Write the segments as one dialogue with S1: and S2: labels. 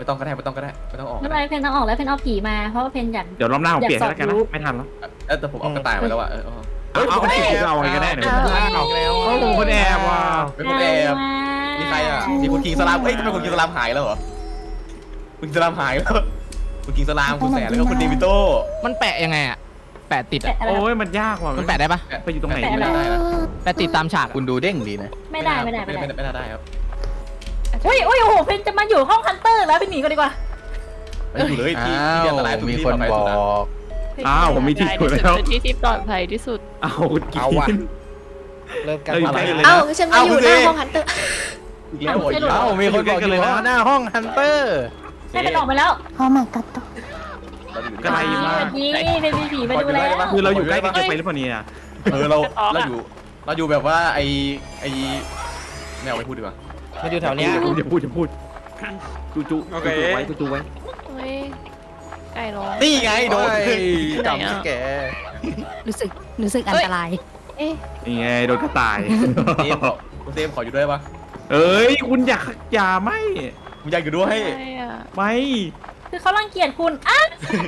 S1: ต้องก็ได้ไม่ต้องก็ได้ไม่ต้องออก
S2: ไม่เป็นไรเพนต้องออกแล้วเพนเอาผีมาเพราะว่าเพนอยาก
S3: เดี๋ยวรอบหน้าผมเปลี่ยนให้แล้วกันนะไม่ทันแล้ว
S1: แต่ผมเอากระต่ายไปแล้วอ่ะ
S3: เอาอะไรก็ได้เดี๋ยวเขาลงคนแอบว่ะ
S1: เป็นคนแอบมีใครอ่ะมีคุณคิงสลามเฮ้ยทำไมคุณคิงสลามหายแล้วเหรอคุณสลามหายแล้วคุณคิงสลามคุณแสนแล้วก็คุณเดวิโต้
S4: มันแปะยังไงอะแปะติดอะ
S3: โอ้ยมันยากว่ะ
S4: มันแปะได้ปะ
S3: ไปอยู่ตรงไหน
S1: ไม่ได้นะ
S4: แปะติดตามฉาก
S5: คุณดูเด้งดีนะ
S2: ไม่ได้
S1: ไม่ได้ครับ
S2: อุ้ยโอ้โหเพนจะมาอยู่ห้องฮันเตอร์แล้วไปหนีกันดีกว่า
S1: ไม่อยู่เลยที่
S5: อ้า
S1: ที่
S5: ว
S1: อันตรายสุด
S5: มี
S1: ที่
S5: คน
S1: ปลอดภัย
S5: บ
S1: สุ
S5: อ
S1: ดนะ
S5: ก
S3: อ้าวผมมีที่อยู่แล้ว
S6: ที่ที่ปลอดภัยที่สุด
S3: เอากิน
S5: เอาว่ะ เริ่มกัน
S3: เราอยู่ใกล้กันเลย
S7: เอ้า
S3: นะ
S7: ฉันมาอยู่หน้าห้องฮันเตอร์
S1: อีกแล้ว
S5: เอ้ามีคนบอกอยู่หน้าห้องฮันเตอร์
S2: ให้เพนออกไปแล้ว
S8: Oh my god
S3: ไกลมาก
S2: นี่เพนมีผีมาดูแล้ว
S3: คือเราอยู่ใกล้กันเกินไปหรือเปล่าเนี่ย
S1: เราอยู่แบบว่าไอไม่เอาไปพูดดีกว่า
S4: มาอยู่แถวเนี้ย
S3: อย่าพูดจูไว้จูไว้
S6: เฮ้ย ไก่ร้อง
S1: นี่ไงโดน
S5: จำที่แก
S8: รู้สึกอันตราย
S6: เอ๊ะ
S3: นี่ไงโดนกระต่าย
S1: คุณเซมขออยู่ด้วยปะ
S3: เอ้ยคุณอย่าไม่
S1: ผมอยากอยู่ด้วย
S6: อะไรอ่ะ
S3: ไม่
S2: คือเขารังเกียจคุณอ่ะ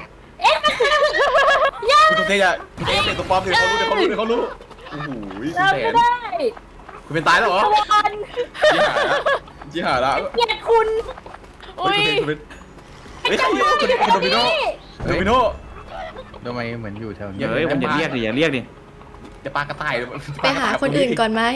S1: คุณเซจะคุณเซเป็นตัวปลอมเดี๋ยวเขารู้โอ้โหคุณ
S2: เรา
S1: แส
S2: ไม่
S1: น
S2: ได้
S1: คุณเป็นตายแล้วเหรอ
S2: ตะวัน
S1: จีหาละ
S2: เกลียดคุณ
S1: คุณเป็นเฮ้ยคุณโดมิโนโดมิโน
S5: ทำไมเหมือนอยู่แถวนี้
S3: เฮ้ยคุณอย่าเรียกดิ
S1: จะปลากระต่าย
S7: ไปหาคนอื่นก่อนไหม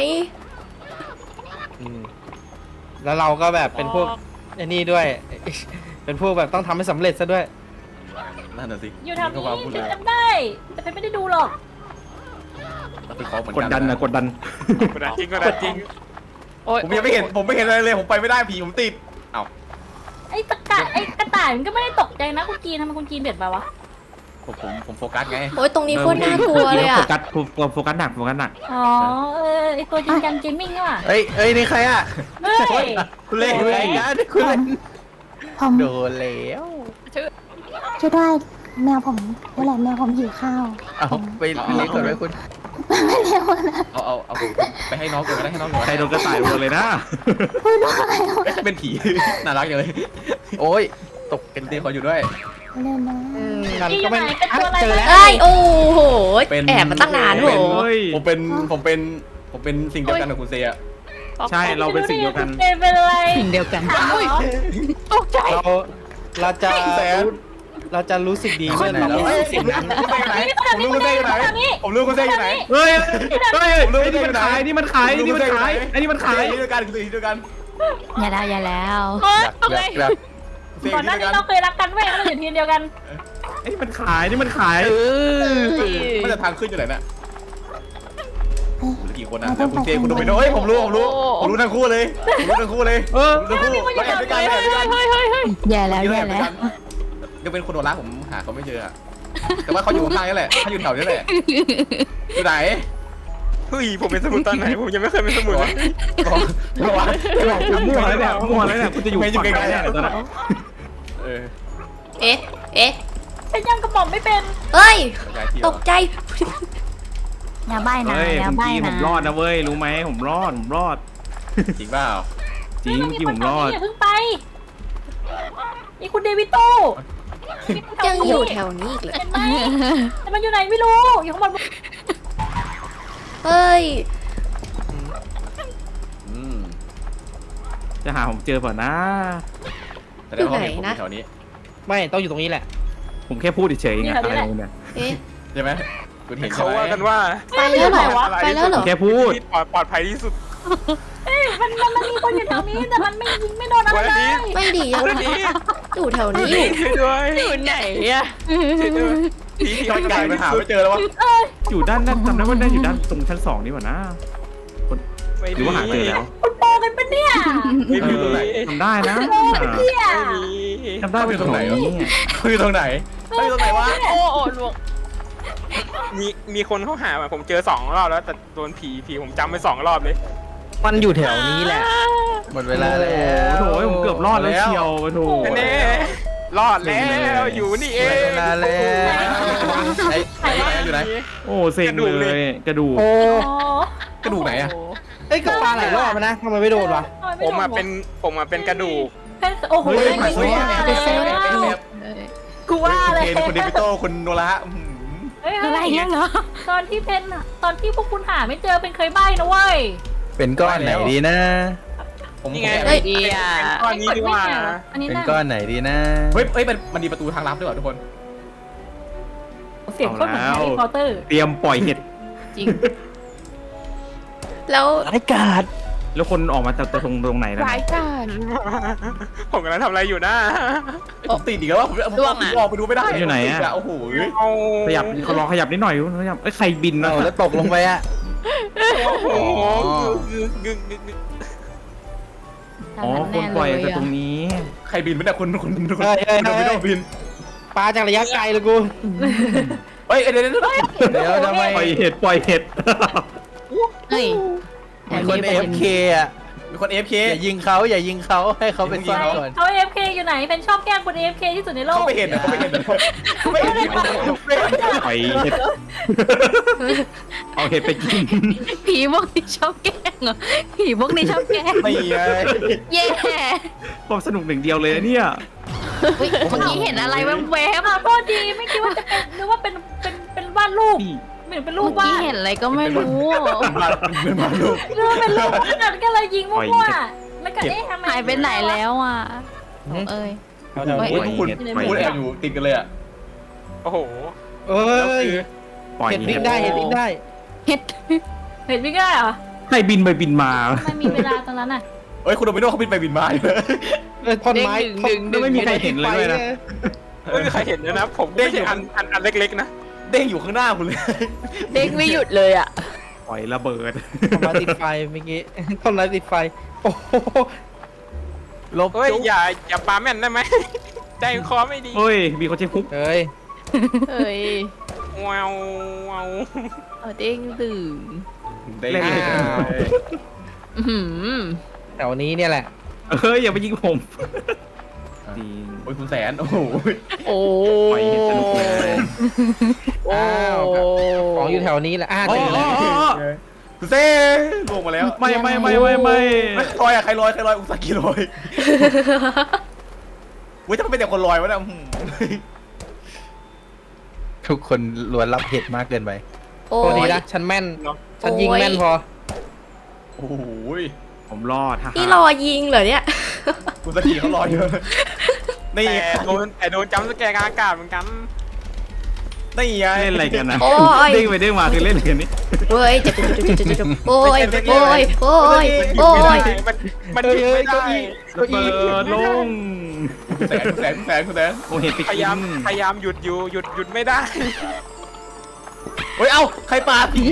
S4: แล้วเราก็แบบเป็นพวกไอ้นี่ด้วย เป็นพวกแบบต้องทำให้สำเร็จซะด้วย
S1: นั่นน่ะสิ
S2: อยู่แถวนี้เพนจำได้ แต่เพนไม่ได้ดูหรอก
S1: เราไปขอเหมือน
S3: กดดันนะกดดัน
S6: กดดันจริงโอ๊ย
S1: ผมยังไม่เห็นอะไรเลยผมไปไม่ได้ผีผมติดเอ้า
S2: ไอ้กระต่ายมันก็ไม่ได้ตกใจนะคุณกีนทำไมคุณกีนเบียดมาวะ
S1: ผมโฟกัสไง
S7: โอ้ยตรงนี้โคตรน่ากลัวเลยอ่ะ
S3: โฟกัสหนัก
S2: อ๋อไอ้ตัวจริงจังเกมมิ่งนี่หว่า
S5: เฮ้ยนี่ใครอ่ะ
S2: เฮ้ย
S1: คุณเล่
S5: อะไรนะคุณเล่น
S8: ผม
S5: โดนแล้ว
S8: ช่วยด้วยแมวผมนี่แหละแมวผมหิวข้าว
S5: เอาไปเลี้ยงก่อนไหมคุณ
S8: ไม่เร็วนะ
S1: เอาไปให้น้องก่อนก็ได้ให้น้องก่อน
S3: ใครโดนกระต่ายโดนเลยนะ
S8: พูดด้วย
S1: เป็นผีน่ารักจังเลย
S5: โอ้ย
S1: ตกกันเต้ขออยู่ด้วย
S8: เร็วนะ
S4: มัน
S2: กีอ
S4: ก็
S2: ยู่ไห
S4: ไม่
S2: นเป็นตัวอะไร
S4: เจอแล้ว
S7: เอ้ยโอ้โห
S1: เป็น
S7: แอบมาตั้งนานโห
S1: ผมเป็นสิ่งเดียวกันกับคุณเซีย
S3: ใช่เราเป็นสิ่งเดียวกัน
S2: เป็นอะไร
S8: สิ่งเดียวกัน
S2: ถามเหรอ
S4: เราจะเราจะรู้สึกดีเมื่อเรารู้สึกสิ่งนั้น
S1: ผมรู้คุณเซียอยู่ไหนผมรู้คุณเซียอยู่ไหน
S3: เฮ้ยนี่มันขายนี่มันขายนี่ด้วยกัน
S8: อย่าแล้ว
S5: แบบ
S2: ก่อนหน้านี้เราเคยรักกันเว้ยเราอยู่ทีมเดียวกัน
S3: นี่มันขาย
S1: มันจะทางขึ้นอยู่ไหนน่ะกี่คนนะแต่คุณเซียคุณโดมิโนเฮ้ยผมรู้ทั้งคู่เลยทั้งคู่เราแอบด้วยกัน
S8: อย่าแล้ว
S1: ยังเป็นคนโดนรักผมหาเขาไม่เจอแต่ว่าเขาอยู่ข้างนี่แหละเขาอยู่แถวนี้แหละอยู่ไหน
S6: เฮ้ยผมเป็นสมุนตอนไหนผมยังไม่เคยเป็นสมุน
S3: คุณมั่วแล้วเนี่ยคุณจะอยู่ฝั่งไหนเนี่ยตอนนั้น
S7: เอ๊ะ
S2: เป็นยังกระหม่อมไม่เป็น
S7: เฮ้ย ตกใจ
S8: อย่าใบ้นะ
S3: เฮ้ย
S8: อย่า
S3: เมื่อ
S8: ใบ้
S3: กี้ผ
S8: นะ
S3: มรอดนะเว้ยรู้ไหมผมรอด
S1: จริงเปล่า
S3: จริงเมื่อกี้ผมรอด
S2: อย่าเพิ่งไปนี่คุณเดวิโต้
S7: ยังอยู่แถวนี้อีกเลย
S2: เห็นไหมแต่มันอยู่ไหนไม่รู้อยู่ข้างบน
S7: เฮ้ย
S3: จะหาผมเจอเปล่านะ
S1: แต่ได้ห้องเห็นผมแถวนี้
S4: ไม่ต้องอยู่ตรงนี้แหละ
S3: ผมแค่พูดเฉยๆไงอะไรเนี่ย
S7: เอ๊ะ
S1: ใช่ไหมคุณเห็น
S6: เขาว่ากันว่า
S7: ไปแล้วเหรอไปแล้วเหรอ
S3: แค่พูด
S6: ที่ปลอดภัยที่สุด
S2: มันมีคนอยู่แถวนี้แต่มันไม่ยิงไม่โดนอะไรเลย
S7: ไม่ดียัง
S6: วันนี้
S7: อยู่แถวนี้
S6: ช่วยด้วยอยู่ไหนอะช่วยด้วยผี
S1: ที่ไกลไปหาไม่เจอแล้ววะ
S3: อยู่ด้านนั้นจำได้ว่าได้อยู่ด้านตรงชั้น2นี่หว่านะหรือว่าหาเจอแล้ว
S2: คุณโปกันปะเนี่ย
S6: ไม่มีตรงไหน
S3: ทำได้นะ
S2: โปกันเนี่ย
S6: ไม่มี
S3: ทำได้เป็นตรงไหน
S1: เขาอยู่ตรงไหนเขาอยู่ตรงไหนวะ
S6: โอ้ลวงมีคนเข้าหาผมเจอ2 รอบแล้วแต่โดนผีผมจำไป2 รอบเลย
S4: มันอยู่แถวนี้แหละ
S5: หมดเวลาแล้ว
S3: โอ้โหผมเกือบรอดแล้วเชียวโอ้โห
S6: แน่รอดแล้วอยู่นี่เอ
S5: หมด
S6: ง
S5: เวลาแล้ว
S1: ไอ้อยู่ไหน
S3: โอ้เซ็งเลยกระดูก
S4: โอ้
S1: กระดูกไหนอะ
S4: เอ้ยก็ปลาหลายรอบนะทำไมไม่โดนวะ
S6: ผมเป็นกระดูก
S2: นโอ้โห
S1: เฮ้ย
S2: ไม่
S1: เฮ้ย
S2: ว่า
S1: เฮ้ย
S2: เลย
S1: เฮ้ย
S2: กูว่าเลย
S1: คุณเดวิโต้คุณโนระอื้อหือ
S2: เฮ้ยอะไรเงี้ยเหรอตอนที่เพนอะตอนที่พวกคุณหาไม่เจอเป็นเคยใบ้นะเว้ย
S5: เป็นก้อนไหนดีนะ
S1: ผม
S6: นี่ไง
S1: เฮ้ย
S7: ดีอ่ะ
S6: ก้อนนี้ดีกว่า
S2: อันนี้
S5: เป็น
S2: น่ะ
S5: ก้อนไหนดีนะ
S1: เฮ้ยมันมีประตูทางลับด้วยเหรอทุกคน
S2: เสียงโคตรเหมือนแฮร์รี่พอตเตอร์
S3: เตรียมปล่อยเห็ด
S7: จริง แล้ว
S4: อากาศ
S3: แล้วคนออกมาจากตรงไหนนะ
S7: รายการ
S6: ผมกำลังทำอะไรอยู่นะ
S1: ผมติดอีกแล้วว่าผม
S7: ล่วงอะ
S1: ออกไปดูไม่ได้
S3: อยู่ไหนอะ
S1: โอ้โห
S6: เอา
S3: ขยับเขาลองขยับนิดหน่อยขยับใครบินนะ
S5: เอาแล้วตกลงไปอ่ะ
S6: โอ้โห
S5: อ๋อ
S3: อ๋อคนปล่อยจากตรงนี้
S1: ใครบินไม่ได้คุณคุณ
S4: เฮ้ยเฮ้ย
S1: เดวิโต้บิน
S4: ปลาจากระยะไกลเลยกู
S1: เฮ้ยเดี๋ยว
S5: เดี๋ยวทำไม
S3: ปล่อยเห็ดปล่อยเห็ด
S7: เฮ้ย
S5: มีคน AFK อ่ะ
S1: มีคน AFK
S5: อย่ายิงเขาอย่ายิงเขาให้เขาไปซ่อนก่อน
S2: เขา AFK อยู่ไหนเป็นชอบแกล้งคน AFK ที่สุดในโลก
S1: เขาไม่เห็นนะเขาไม่เห็นนะเขาไม่เห็น
S3: ปล่อยเห็ดเอาเห็ดไปกิน
S7: ผีพวกนี้ชอบแกล้งเหรอผีพวกนี้ชอบแกล้ง
S1: ไม่ไง
S7: เย่
S3: ความสนุกหนึ่งเดียวเลยนะเนี่ย
S7: เฮ้ยเมื่อกี้เห็นอะไรแวบ
S2: ขอโทษดีไม่คิดว่าจะเป็นนึกว่าเป็นวาดรูป
S3: นี่
S2: เหมือนเป็น
S7: ๆ
S2: รู
S7: เมื่
S2: ป
S7: อกี้
S2: วาด
S7: เห็นอะไรก็ไม่รู้
S1: เป็นมาลูก
S2: นึกว่าเป็นรูปวาดก็เลยยิงมั่วๆแล้วก็เอ๊ะทำไม
S7: หายไปไหนแล้วอ่ะเอ้ย
S4: เอาเดี๋ยว
S7: เฮ้ย
S1: โอ้ยคุณคุณแอบอยู่ติดกันเลยอ่ะ
S6: โอ้โห
S4: เอ้ย
S3: ปล่อย
S4: เห็ด
S3: เห็
S4: วิ่
S3: ด
S4: งได้เห็ดวิ่งได้
S7: เฮ็ด
S2: เห็นไม่ได้เหรอ
S3: ใครบินไปบินมา
S2: ไม่มีเวลาตอนนั้นอ่ะ
S1: เฮ้ยคุณโดมิโนเขาบินไปบินมาอยู่เลย
S4: ท่อนไม้
S3: แล้วไม่มีใครเห็นเลยด้วยนะ
S6: ไม่มีใครเห็นเลยนะผมไม่ใช่อันเล็กๆนะ
S1: เด้งอยู่ข้างหน้าคุณเลย
S7: เด็กไม่หยุดเลยอ่ะ
S3: ปล่อยระเบิด
S4: ท่อนไม้ติดไฟเมื่อกี้ท่อนไม้ติดไฟโอ้โห
S5: ลบ
S6: เฮ้ย
S5: จุ๊บ
S6: อย่าปาแม่นได้ไหม ใจคอไม่ดี
S3: เฮ้ยมีคนใช้ฮุก
S4: เฮ้ย
S7: เอ้ย
S6: ว้าวว้าว
S7: เอาเด้งตื่น
S1: เด้ง
S7: อื้อหือ
S4: แถวนี้เนี่ยแหละ
S3: เฮ้ยอย่าไปยิงผมจริง
S1: โอ้ยคุณแสนโอ้โห
S7: โอ้
S3: ปล่อยเห็ดสนุกเลย
S4: อ้าวของอยู่แถวนี้แหละเจอแล้ว
S1: คุณเซ่ลงมาแล้ว
S3: ไม่
S1: ลอยอะใครลอยอุซากิลอยเว้ยถ้ามันเป็นแต่คนลอยวะเนี่ย
S5: ทุกคนล้วนรับเห็ดมากเกินไป
S7: โอ้
S4: โทษดี
S7: ย
S4: นะฉันแม่น ฉันยิงแม่นพอ
S1: โอ้โห
S3: ผมรอดฮ่า
S7: นี่รอยิงเหรอเนี่ย
S1: อุซากิเขาลอยเยอะนี่
S6: แต่โดนจัมป์สแกร์กลางอากาศเหมือนกัน
S1: นี่ไง
S3: เล่นอะไรกันนะ
S7: โอ้ย
S3: เด้งไปเด้งมาคือเล่นอะไรกันนี่
S7: เฮ้ยจะโอ้ยโอ้ยโอ้ยโอ้ย
S6: มันยิงไม่ได้
S3: ระเบิดลง
S1: คุณแสน
S3: โอ้เห็ดไป
S6: พ
S3: กิ
S6: ยายามหยุดอยู่หยุดไม่ได้
S1: เฮ้ยเอ้าใครปาผี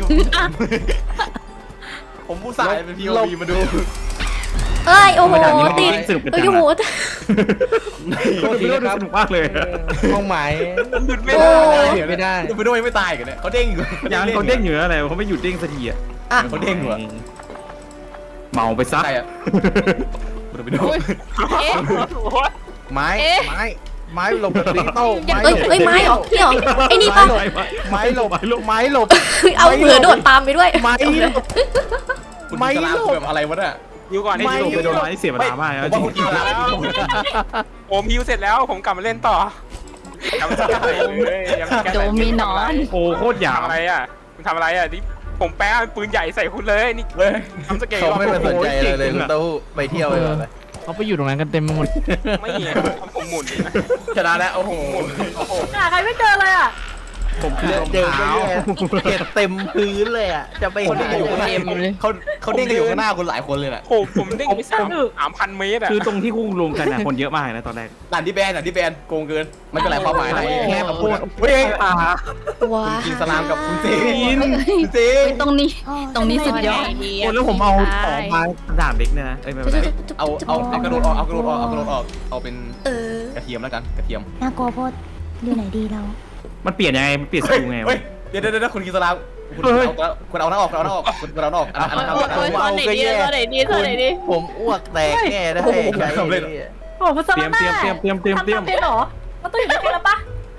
S1: ผมผู้สายเป็น POV มาดู
S7: เอ้ยโอ้โหติด
S3: สนุกกัน
S7: โอ้
S3: จัง
S7: โห
S3: อะโคตรสนุกมากเลย
S4: ห้องหมาย
S6: หยุดไม่
S7: โอ้
S6: ได้
S4: ไม่ได้
S1: ดูไปด้วยไม่ตายกันเนี่ยเขาเด้งอยู่
S3: ยังเขาเด้งอยู่อะไรเขาไม่หยุดเด้งสักทีอ่ะ
S7: อ่ะ
S1: เขาเด้งเหรอ
S3: เมาไปซะ
S1: ใครอะดูไปด้วย
S7: เอ๊ะ
S5: ไม้
S7: เอ๊ะ
S5: ไม้หลบลิโต้
S7: เอ้ยเอ้ยไม้เหรอนี่เหรอไอ้นี่ปะ
S5: ไม้หลบไม้หลบ
S7: เอาเผื่อโดดตามไปด้วย
S5: ไม้หลบ
S1: คุณ
S5: ไม่
S1: สลาม
S5: หลบ
S1: แบบอะไรวะเนี่ย
S6: ยิวก่อน
S3: นี่
S6: นี่
S3: ลงไปโดนไม้เสียเวลามาก
S1: ผม
S3: จริ
S1: ว่าง คุณกินสลาม
S6: ผมฮิวเสร็จแล้วผมกลับมาเล่นต่อกลับมา
S7: โดมินอน
S3: โอ้โคตรหยาบ
S6: ทำอะไรอ่ะคุณทำอะไรอ่ะนี่ผมแป้งปืนใหญ่ใส่คุณเลยนี่
S1: เฮ้ย
S6: ทำสเกล
S5: เขาไม่มาสนใจเลยคุณเต้าหู้ไปเที่ยวไปก่อนเลย
S4: เขาไปอยู่ตรงนั้นกันเต็มไปหมด
S6: ไม่ผมหมุน
S1: ชนะแล้วโอ้โห
S2: หาใครไม่เจอเลยอ่ะ
S3: ผมคือรอง
S5: เดินไป
S3: เท้า
S5: เห็ดเต็มพื้นเลยอ่ะจะไป
S1: คน
S5: หา
S1: เด้งอยู่ข้างหน้า
S7: เต็มเลย
S1: เขาเด้งกันอยู่ข้างหน้าคุณหลายคนเลยน่ะ
S6: ผมเด้งไป3,000 เมตรอ่ะ
S3: คือตรงที่คู่รวมกันนะคนเยอะมากนะตอนแรก
S1: ด่านที่แบนโกงเกินมันเป็นหลายความหมายนะ
S3: แค่มาพูด
S1: เฮ้ย
S7: ว้า
S1: กินสลามกับคุณเจ
S3: กิน
S1: คุณเจ
S7: ตรงนี้ ตรงนี้สุดยอด
S3: โอ้แล้วผมเอาออกมาด่านเล็กเนี่ยนะเอ้ยไม่เป็นไร
S1: เอากระโดดออกเอาเป็น
S7: เออก
S1: ระเทียมแล้วกันกระเทียม
S8: น่ากลัวโพดอยู่ไหนดีเรา
S3: มันเปลี่ยนยังไงมันเปลี่ยนสกิลไง
S1: เฮ้ยเดี๋ยวคุณกินสลามคุณเอาหน้าออกคุณเอาหน้าออกคุณเอาหน้าออกอันนั้น
S7: ตอนไหนดีตอนไหนดีตอนไหนดี
S5: ผมอ้วกแตกแน่ได้
S2: โอ้โหคุณส
S3: เตรี
S2: มาย
S3: ม
S2: ร์
S3: เตรียม
S2: ทำเป็นเหรอมันต้องอยู่ในเกมแล้วปะ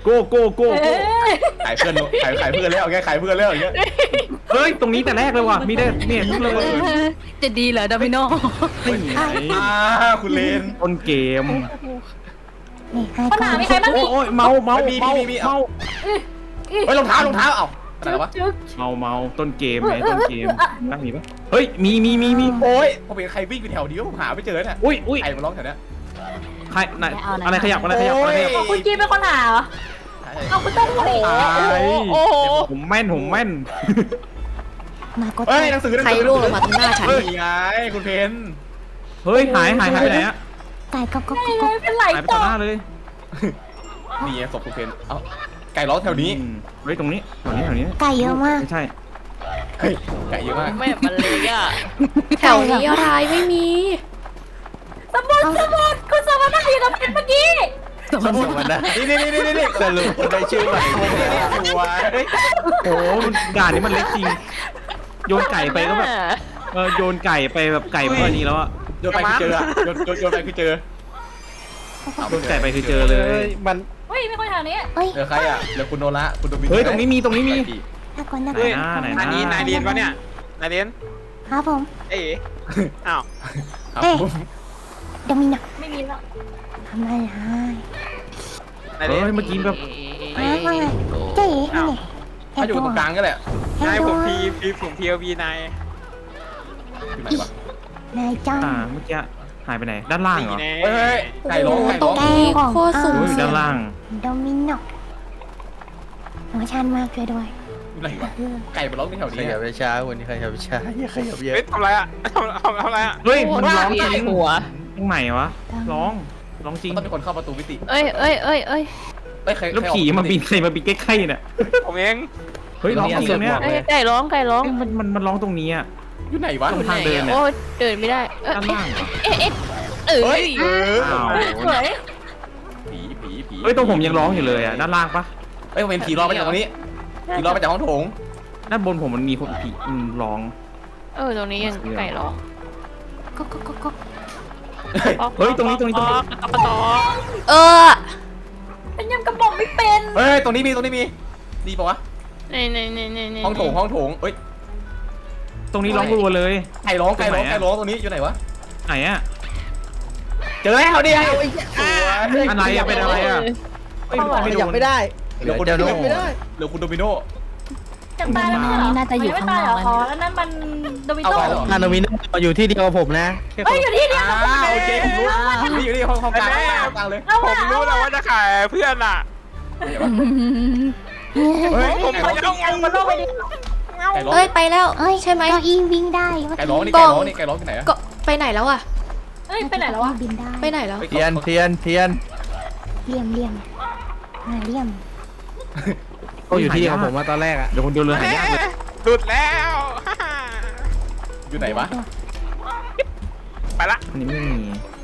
S3: โก้โก้โก้
S2: เอ้ย
S1: ขายเพื่อนขายเพื่อนแล้วแกขายเพื่อนแล้วอย่างเงี้ย
S3: เฮ้ยตรงนี้แต่แรกเลยว่ะมีได้เนี่ยทุกเลย
S2: จะดีเหรอดามิโน
S3: นี่ไง
S1: คุณเลน
S3: ต้นเกม
S8: นี่ให้
S2: ปัญ
S8: ก่อ
S2: หาน มีใครบ้าง
S3: โอ้ยเมาเา
S1: มี
S3: เมา
S1: เอา เฮ้ยรองเท้าเอ้าอะไรวะ
S2: จึ๊ก
S3: เมาต้นเกมไงต้นเกมน่ามีปะเฮ้ยมี
S1: โอ้ยผมเห็นใครวิ่งไปแถวนี้ผมหาไม่เจอเนี่ย
S3: อุ้ย
S1: ใครมาร้องแถวเนี้ย
S3: ใครไหนอะไรขยับอะไรขยับ
S2: คุณกีนเป็นคนหาเหรอเอาคุณต้องหนี
S3: โอ้ผมแม่น
S8: มากด
S1: เฮ้ยหนังสือ
S7: ใครร่วงลงมาตรงหน้าฉัน
S1: เฮ้ยไงคุณเพน
S3: เฮ้ยหายไปไหนอะ
S8: ไก่ก็
S2: เป็นไหล
S3: หายไป
S2: ต่
S3: ต่
S2: อ
S3: อหน้าเลย
S1: นี่ศพคุณเพนเอ้าไก่ร้องแถวนี้
S3: เฮ้ยตรงนี้แถวนี้
S8: ไก่เยอะมาก
S3: ไม่ใช่
S1: เฮ้ยไก่เยอะมาก
S6: ไม่มันเลยอ่ะ
S7: แถวนี้อะไรไม่มี
S2: สมุดคุณสมุดนั่งอยู่กับเพชรเมื่อกี้
S5: สมมตินะ
S1: นี่
S5: สรุปคนได้ชื่อใหม่
S1: สวย
S3: โอ้ด่านนี้มันเล็กจริงโยนไก่ไปก็แบบโยนไก่ไปแบบไก่พอดีแล้วอะ
S1: โยนไปคือเจอโยนไปคือเจอ
S3: โยนไก่ไปคือเจอเลย
S4: มัน
S2: เฮ้ยมีคนแถวนี้
S8: เอ้ย
S1: เหลือใครอ่ะเหลือคุณโนระคุณโดมิ
S3: เฮ้ยตรงนี้มี
S8: น่ากลัวน่าก
S3: ไหน
S8: ลัว
S3: นะไหน
S6: อันนี้นายเรียนปะเนี่ยนายเรียน
S8: ครับผม
S6: เอ๋อ้าว
S1: ครับ
S8: เดี๋ยวมีหนัก
S2: ไม่มีแล้ว
S8: ทำอะไรให้
S6: นายเรียน
S3: เมื่อกี้แบบ
S8: ว่าไงเจ๊นี่ไง
S1: ถ้าอยู่ตรงกลางก็แหละ
S6: นายผม
S8: พี
S6: ผมพีเอวีนาย
S1: อยู่ไหนวะ
S8: นายจ้อง
S3: เมื่อกี้หายไปไหนด้านล่างเหรอ
S1: เฮ้ยไก่ร้องไก่ร้อง
S7: แกโคตรสูง
S3: อยู่
S7: เสีย
S3: ด้าง นล่าง
S8: โดมิโนหัวชันมากเลยด้วย
S1: อยู่ไหนวะไก่มาร้องที่แถว
S5: ข
S1: นี้
S5: ยับช้าวันนี้ขยับช้าอย่าขยับเยอะ
S6: เฮ้ยทำไรอ่ะทำอะไรอ่ะ
S3: เฮ้ยมันร้องจริง
S2: หัว
S3: ตรงไหนวะร้องจริง
S1: ต้องมีคนเข้าประตูมิติ
S2: เอ้ย
S1: เฮ้ยใคร
S3: แล้วผีมาบินใครมาบินใกล้ๆเนี่ย
S6: ผมเอง
S3: เฮ้ยร้องจริงเนี่ย
S2: ไก่ร้อง
S3: มันร้องตรงนี้อ่ะ
S1: อยู่ไหนวะ
S3: ตรงทางเดินเนี่ย
S2: เดินไม่ได้
S3: ด้านล่างเหรอ
S1: เฮ้ย
S3: อ้าว
S2: สวย
S1: ผี
S3: เฮ้ยตรงผมยังร้องอยู่เลยอ่ะด้านล่างปะ
S1: เฮ้ยผมเป็นผีรอมาจากตรงนี้ผีรอมาจากห้องโถง
S3: ด้านบนผมมันมีคนผีร้อง
S2: ตรงนี้ยังไก่ร้อง
S8: ก็
S3: เฮ้ยตรงนี้
S7: เออ
S2: เป็นยังกระบอกไม่เป็น
S1: เฮ้ยตรงนี้มีดีปะวะ
S2: ใน
S1: ห้องโถงเฮ้ย
S3: ตรงนี้ร้องรัวเลย
S1: ไก่ร้องตรงนี้อยู่ไหนวะ
S3: ไหนอ่ะ
S1: เจอแล้วดิไอ้
S3: อะไรอะเป็นอะไรอะ
S4: ขยับไม่ได้
S1: เหลือคุณโดมิโนเหลือคุณโดมิโน
S2: จะตายแล้วเหรอน่าจะอยู่ข้างนอกแล้วนั่นมันโดมิโต้
S4: ฮานามิโนอยู่ที่เดียวกับผมนะแค่ค
S2: เฮ้ย
S4: น
S2: อยู่ที่เดียว
S1: โอเคผมรู้นี่อยู่นี่ห้องกลางเลย
S6: ผมรู้แล้วว่าจะขายเพื่อนอ่ะ
S1: เฮ้ย
S2: ผมขอเอามาโลกไปดิ
S7: เอ้ยไปแล้ว
S8: เอ้ย
S7: ใช่ไหม
S8: เก้าอี้วิ่งได้
S1: ไก่ร้องที่ไหนอะ
S7: ก็ไปไหนแล้วอะ
S2: เฮ้ยไปไหนแล้ววะ
S8: บินได้
S7: ไปไหนแล้ว
S5: เทียน
S8: เลี่ยมเลี่ยม
S4: เขาอยู่ที่เดียวกับผมมาตอนแรกอะ
S3: เดี๋ยวคนเดินเรือหายากเลย
S6: หลุดแล้ว
S1: อยู่ไหนวะ
S6: ไปละ
S3: อันนี้ไม่มี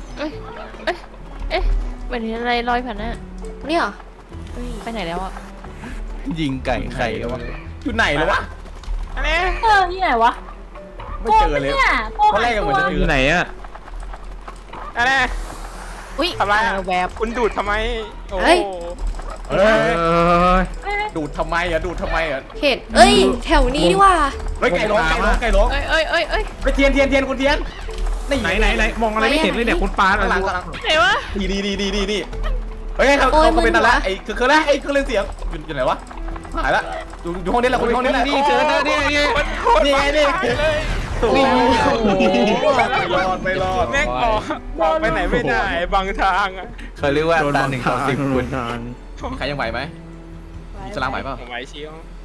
S2: เป็นอะไรลอยผ่านน่ะ
S7: นี่เหรอ
S2: ไปไหนแล้วอ่ะ
S5: ยิงไก่ไข่กันวะ
S1: อยู่ไหนแล้ววะ
S6: อันนี้
S2: ที่ไหนวะ
S1: ไม่เจอเลย
S2: ตอนแรกก็เหมือนจะ
S3: อยู่ไหนอะ
S6: อันนี้
S2: อุ้ย
S6: ทำไรอ่ะคุณดูดทำไมโอ้
S1: เฮ้ย
S2: ดูดทำไมอ่ะ
S7: เห็ดเอ้ย แถวนี้ดีว่า
S1: เฮ้ยไก่ร้อง
S2: เอ้ย
S1: ไปเทียนคุณเทียนนี่
S3: ไหนมองอะไรไม่เห็นเลยเนี่ยคุณปาอะไร
S1: หลัง
S2: ไหนวะ
S1: ดีเฮ้ยเขาเป็นอะไรไอ้คือแล้วไอ้เครื่องเล่นเสียงอยู่ไหนวะหายละอยู่ห้องนี้แหละคนห้องนี้แหละ
S4: นี่เจอแล้วนี่
S1: นี่ไงนี่ไม่รอด
S6: แม่งออกไปไหนไม่ได้บางทางอ่ะ
S5: เขาเรียกว่าตา1 ต่อ 10คุณ
S1: ใครยังไหวไหม สลามไหวเปล่า
S6: ผมไหวเชียว